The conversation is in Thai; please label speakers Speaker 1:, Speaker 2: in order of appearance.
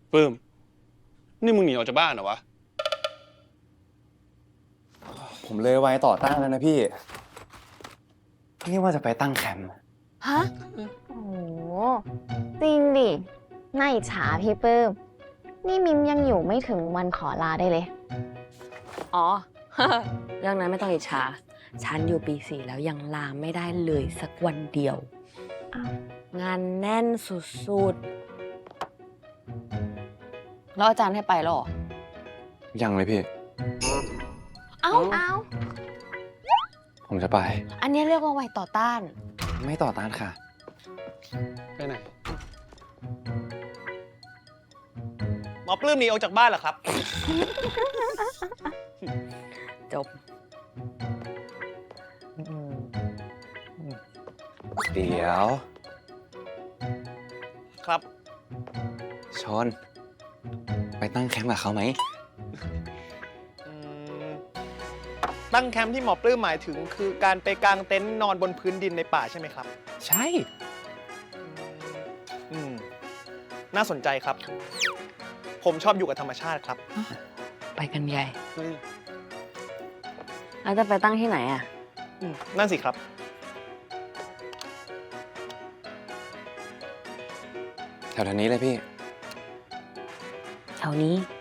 Speaker 1: ปื้มนี่มึงหนีออกจากบ้านเหรอวะ
Speaker 2: ผมเลยไว้ต่อต้านแล้วนะพี่ นี่ว่าจะไปตั้งแคมป์
Speaker 3: ฮะ โอ้โห จริงดิน่าอิจฉาพี่ปื้ม นี่มิมยังอยู่ไม่ถึงวันขอลาได้เลย
Speaker 4: อ๋อ เรื่องนั้นไม่ต้องอิจฉา ฉันอยู่ปี 4 แล้วยังลาไม่ได้เลยสักวันเดียว
Speaker 3: อ้าว
Speaker 4: งานแน่นสุดๆ แล้วอาจารย์ให้ไปหรอ
Speaker 2: ยังเลยพี่
Speaker 4: เอ้า
Speaker 3: เอา
Speaker 2: ผมจะไป
Speaker 4: อันนี้เรียกว่าไวต่อต้าน
Speaker 2: ไม่ต่อต้านค่ะ
Speaker 1: ไปไหน
Speaker 5: หมอปลื้มหนีออกจากบ้านเหรอครับ
Speaker 4: จบ
Speaker 2: เดี๋ยว
Speaker 5: ครับ
Speaker 2: ชน ไปตั้งแคมป์กับเขาไหม
Speaker 5: อืมตั้งแคมป์ที่หมอปลื้มหมายถึงคือการไปกางเต็นท์นอนบนพื้นดินในป่าใช่ไหมครับ
Speaker 2: ใช่
Speaker 5: อืมน่าสนใจครับ ผมชอบอยู่กับธรรมชาติครับ
Speaker 4: ไปกันใหญ่ แล้วจะไปตั้งที่ไหนอ่ะ
Speaker 5: นั่นสิครับ
Speaker 2: แถวๆนี้เลยพี่
Speaker 4: แถวนี้